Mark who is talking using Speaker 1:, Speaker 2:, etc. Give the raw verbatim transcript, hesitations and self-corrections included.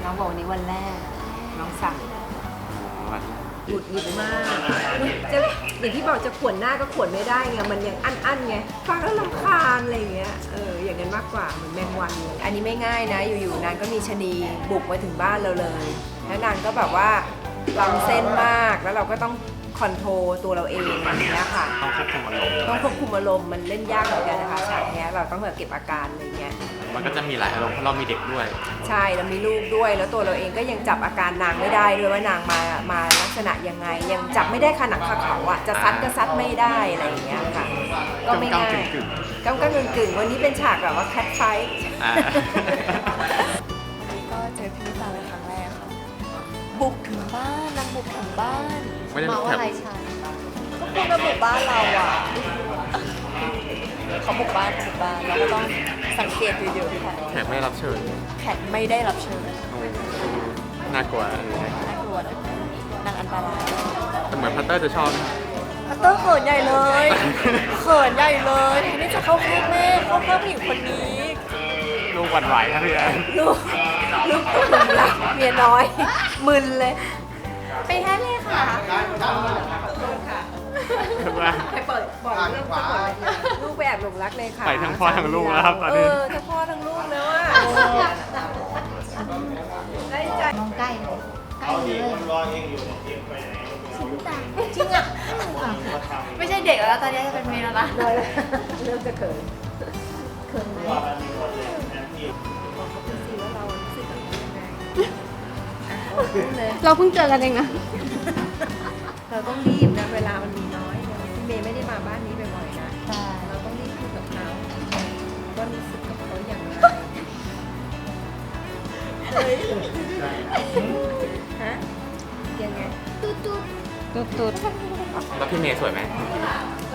Speaker 1: น้องบอกวันนี้วันแรกน้องสั่งหงุดหงิดมากจะอย่างที่บอกจะขวนหน้าก็ขวนไม่ได้ไงมันยังอั้นๆไงฟังแล้วรำคาญอะไรอย่างเงี้ยเอออย่างนั้นมากกว่าเหมือนแมงวันเลยอันนี้ไม่ง่ายนะอยู่ๆนางก็มีชะนีบุกมาถึงบ้านเราเลยแล้วนางก็แบบว่าล้ำเส้นมากแล้วเราก็ต้องคอนโทรลตัวเราเองอย่างเงี้ยค่ะ
Speaker 2: ต้องควบคุมอารมณ์
Speaker 1: ต้องควบคุมอารมณ์มันเล่นยากเหมือนกันนะคะฉากเนี้ยเราต้องแบบเก็บอาการอะไรเงี้ย
Speaker 2: มันก็จะมีหลายอารมณ์เพราะเรามีเด็กด้วย
Speaker 1: ใช่เรามีลูกด้วยแล้วตัวเราเองก็ยังจับอาการนางไม่ได้ด้วยว่านางมามาลักษณะยังไงยังจับไม่ได้ขนาดขาเขาอ่ะจะซัดก็ซัดไม่ได้อะไรอย่างเงี้ยค่ะก็ไม่ง่ายก้ำก้ำกึ่งกึ่งวันนี้เป็นฉากแบบว่าแคทไฟท์
Speaker 3: วันนี้ก็เจอพี่ตาเป็นครั้งแรกค่ะบุกถึงบ้านนางบุกถึงบ้านมาว่าอะไรฉันก็คุณมาบุกบ้านเราอ่ะเขาบุกบ้านบุกบ้านเราก็ต้องสังเกตเยอะๆค่ะ
Speaker 2: แขกไม่รับเชิญ
Speaker 3: แขกไม่ได้รับเชิญ
Speaker 2: น่ากลัว
Speaker 3: น่ากลัวนะนางอันตราย
Speaker 2: แต่เหมือนพัตเตอร์จะชอบ
Speaker 3: พัตเตอร์เขินใหญ่เลยเขินใหญ่เลยทีนี้จะเข้าข้างแม่เข้าข้างผู้หญิงคนนี้
Speaker 2: ลูกหวั่นไหวครับพี่แอน
Speaker 1: ลูกลูกตัวมึนละเมียน้อยมึนเลย
Speaker 3: ไปแท้เลยค่ะ
Speaker 1: ไปเปิดบอกเรื่องทั้งหมดเลยลูกไปแอบหลงรักเลยค่ะ
Speaker 2: ไปทั้งพ่อทั้งลูกแล้วครับตอน
Speaker 1: เอ
Speaker 2: นี้
Speaker 1: อทั้งพ่อทั้งลูกแล้วอ่ะได้ใจ
Speaker 4: น้องใกล้เลยใกล้เลยจริงอ่ะ
Speaker 3: ไม่ใช่เด็กแล้วตอนนี้จะเป็นเมนแล้วนะ
Speaker 1: เริ่มจะเขิน
Speaker 4: เขินไหม
Speaker 1: บอกเขาเป็นสิว่าเรารู้สึกแบบยังไง
Speaker 4: เราเพิ่งเจอกันเองนะ
Speaker 1: เราต้องรีบนะเวลามันมีน้อยพี่เมย์ไม่ได้มาบ้านนี้บ่อยๆนะเราต้องรีบพูดกับเขาว่ารู้สึกกับเขาอย่างไรฮะยังไง
Speaker 4: ตุ๊ดตุ๊ดตุ๊ดตุ๊ด
Speaker 2: แล้วพี่เมย์สวยไหม